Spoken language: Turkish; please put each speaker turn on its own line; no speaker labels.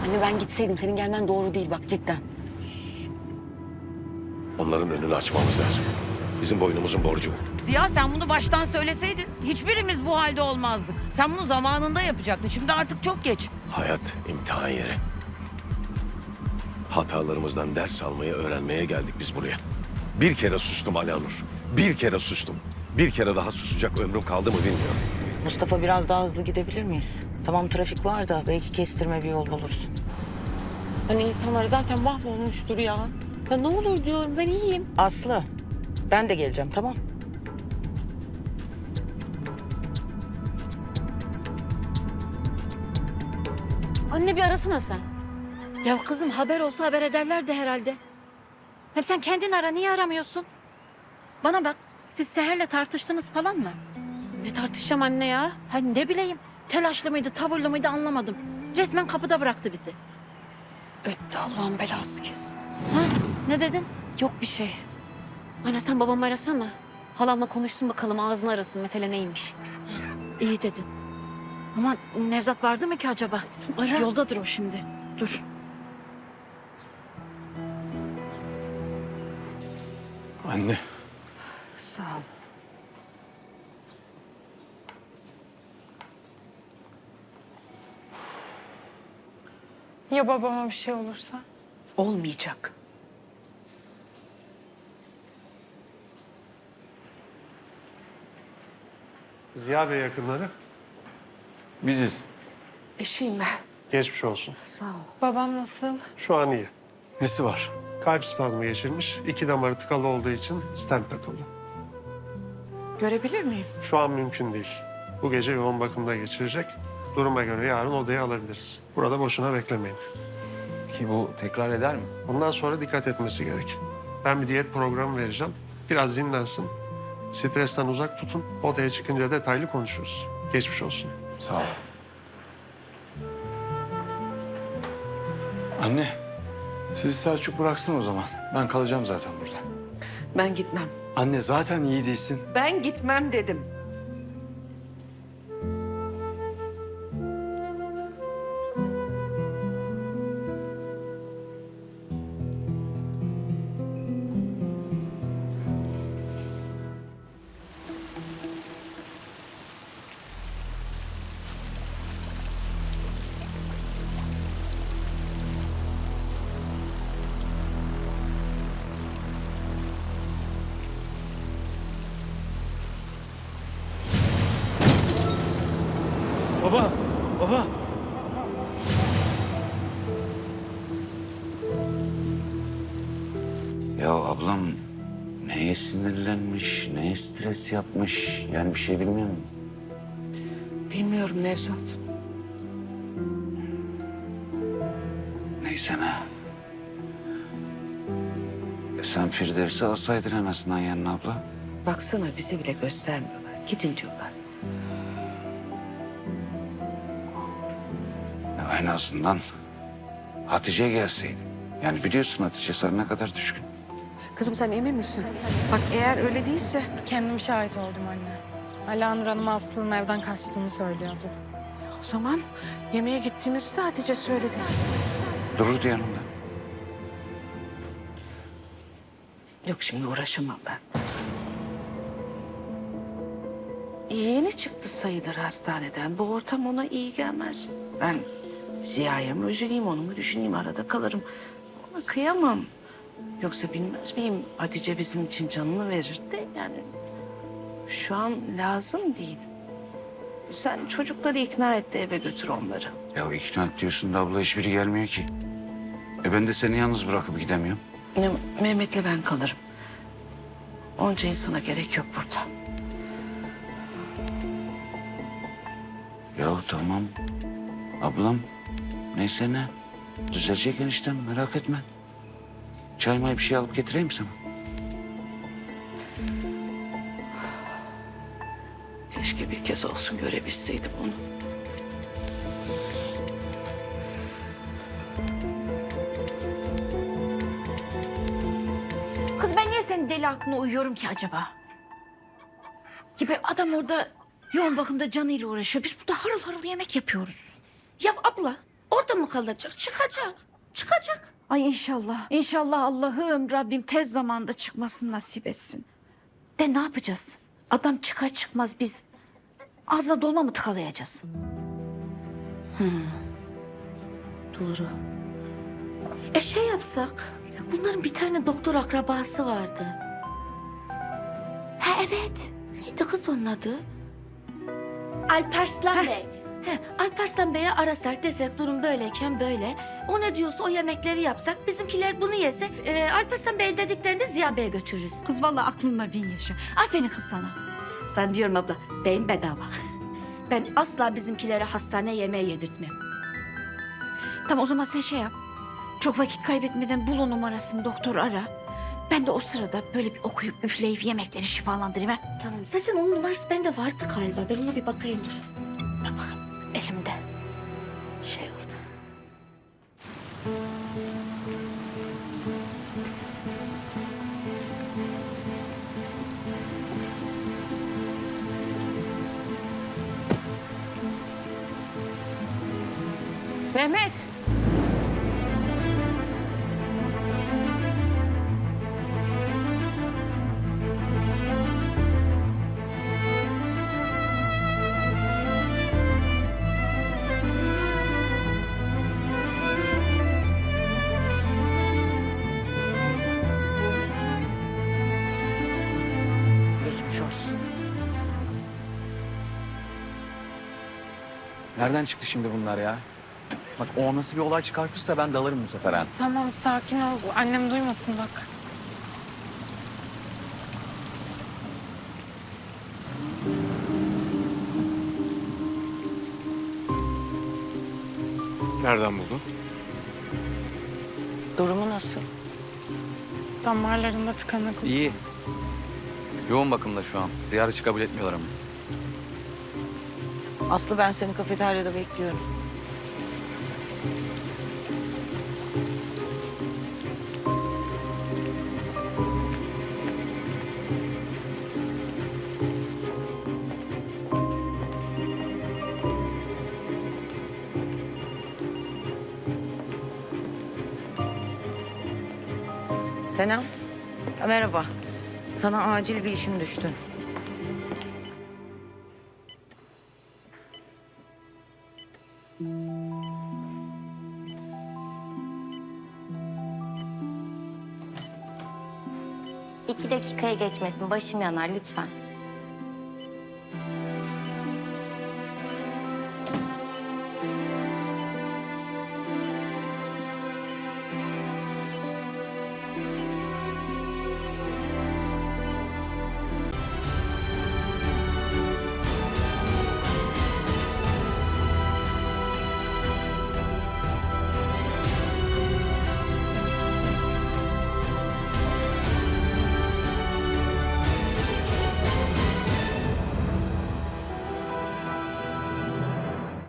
Anne ben gitseydim senin gelmen doğru değil bak cidden.
Onların önünü açmamız lazım. Bizim boynumuzun borcu bu.
Ziya sen bunu baştan söyleseydin hiçbirimiz bu halde olmazdık. Sen bunu zamanında yapacaktın. Şimdi artık çok geç.
Hayat imtihan yeri. Hatalarımızdan ders almayı öğrenmeye geldik biz buraya. Bir kere sustum Alanur. Bir kere sustum. Bir kere daha susacak ömrüm kaldı mı bilmiyorum.
Mustafa biraz daha hızlı gidebilir miyiz? Tamam trafik var da belki kestirme bir yol bulursun.
Hani insanlar zaten mahvolmuştur ya. Ya ne olur diyorum ben iyiyim.
Aslı ben de geleceğim tamam.
Anne bir arasana sen. Ya kızım haber olsa haber ederlerdi herhalde. Hem sen kendin ara niye aramıyorsun? Bana bak siz Seher'le tartıştınız falan mı?
Ne tartışacağım anne ya?
Hani ne bileyim telaşlı mıydı tavırlı mıydı anlamadım. Resmen kapıda bıraktı bizi.
Öttü Allah'ın belası kesin.
Ha, ne dedin?
Yok bir şey. Anne sen babamı arasana. Halamla konuşsun bakalım ağzını arasın mesele neymiş.
İyi dedin. Ama Nevzat vardı mı ki acaba?
Ara.
Yoldadır o şimdi. Dur.
Anne.
Sağ ol.
Ya babama bir şey olursa?
Olmayacak.
Ziya Bey yakınları.
Biziz.
Eşiyim ben.
Geçmiş olsun.
Sağ ol.
Babam nasıl?
Şu an iyi.
Nesi var?
Kalp spazmı geçirmiş. 2 damarı tıkalı olduğu için stent takıldı.
Görebilir miyim?
Şu an mümkün değil. Bu gece yoğun bakımda geçirecek. Duruma göre yarın odaya alabiliriz. Burada boşuna beklemeyin.
Ki bu tekrar eder mi?
Bundan sonra dikkat etmesi gerek. Ben bir diyet programı vereceğim. Biraz dinlensin. Stresten uzak tutun. Odaya çıkınca detaylı konuşuruz. Geçmiş olsun.
Sağ ol. Anne, sizi Selçuk bıraksın o zaman. Ben kalacağım zaten burada.
Ben gitmem.
Anne zaten iyi değilsin.
Ben gitmem dedim.
Baba, baba.
Ya ablam neye sinirlenmiş, neye stres yapmış yani bir şey bilmiyor musun?
Bilmiyorum Nevzat.
Neyse ne. Sen Firdevs'i alsaydın en azından yanına abla.
Baksana bizi bile göstermiyorlar. Gidin diyorlar.
Ya en azından Hatice gelseydi. Yani biliyorsun Hatice sana ne kadar düşkün.
Kızım sen emin misin? Bak eğer öyle değilse
Kendim şahit oldum anne. Alanur Hanım Aslı'nın evden kaçtığını söylüyordu.
o zaman yemeğe gittiğimizde Hatice söyledi.
Dururdu yanında.
Yok şimdi uğraşamam ben. Yeni çıktı sayılır hastaneden. Bu ortam ona iyi gelmez. Ben Ziya'ya mı üzüleyim, onu mu düşüneyim, arada kalırım. Ona kıyamam. Yoksa bilmez miyim Hatice bizim için canını verir de yani şu an lazım değil. Sen çocukları ikna et de eve götür onları.
Ya ikna et diyorsun da abla hiçbiri gelmiyor ki. Ben de seni yalnız bırakıp gidemiyorum.
Mehmet'le ben kalırım. Onca insana gerek yok burada.
Ya tamam. Ablam neyse ne. Düzelecek eniştem merak etme. Çay may bir şey alıp getireyim sana.
Keşke bir kez olsun görebilseydim onu.
Kız ben niye senin deli aklına uyuyorum ki acaba? Gibi adam orada yoğun bakımda canıyla uğraşıyor. Biz burada harıl harıl yemek yapıyoruz. Ya abla
Orada mı kalacak? Çıkacak. Çıkacak.
Ay inşallah. İnşallah Allah'ım Rabbim tez zamanda çıkmasını nasip etsin.
De ne yapacağız? Adam çıkar çıkmaz biz ağzına dolma mı tıkalayacağız? Doğru. Şey yapsak. Bunların bir tane doktor akrabası vardı. Ha evet. Neydi kız onun adı? Alparslan Bey. Alparslan Bey'e arasak desek durum böyleyken böyle. O ne diyorsa o yemekleri yapsak bizimkiler bunu yese Alparslan Bey'in dediklerini de Ziya Bey'e götürürüz.
Kız vallahi aklınla bin yaşa. Aferin kız sana.
Sen diyorum abla beyin bedava. Ben asla bizimkilere hastane yemeği yedirtmem.
Tamam o zaman sen şey yap. Çok vakit kaybetmeden bul o numarasını doktor ara. Ben de o sırada böyle bir okuyup üfleyip yemekleri şifalandırayım ha.
Tamam zaten onun numarası bende vardı galiba. Ben ona bir bakayım dur. Dur bakalım elimde. Şey oldu.
Mehmet.
Geçmiş olsun.
Nereden çıktı şimdi bunlar ya? Bak o nasıl bir olay çıkartırsa ben dalarım bu sefer ha.
Tamam sakin ol. Annem duymasın bak.
Nereden buldun?
Durumu nasıl?
Damarlarında tıkanık.
İyi. Yoğun bakımda şu an. Ziyaretçi kabul etmiyorlar ama.
Aslı ben seni kafeteryada bekliyorum. Selam. Merhaba. Sana acil bir işim düştü.
İki dakikaya geçmesin. Başım yanar lütfen.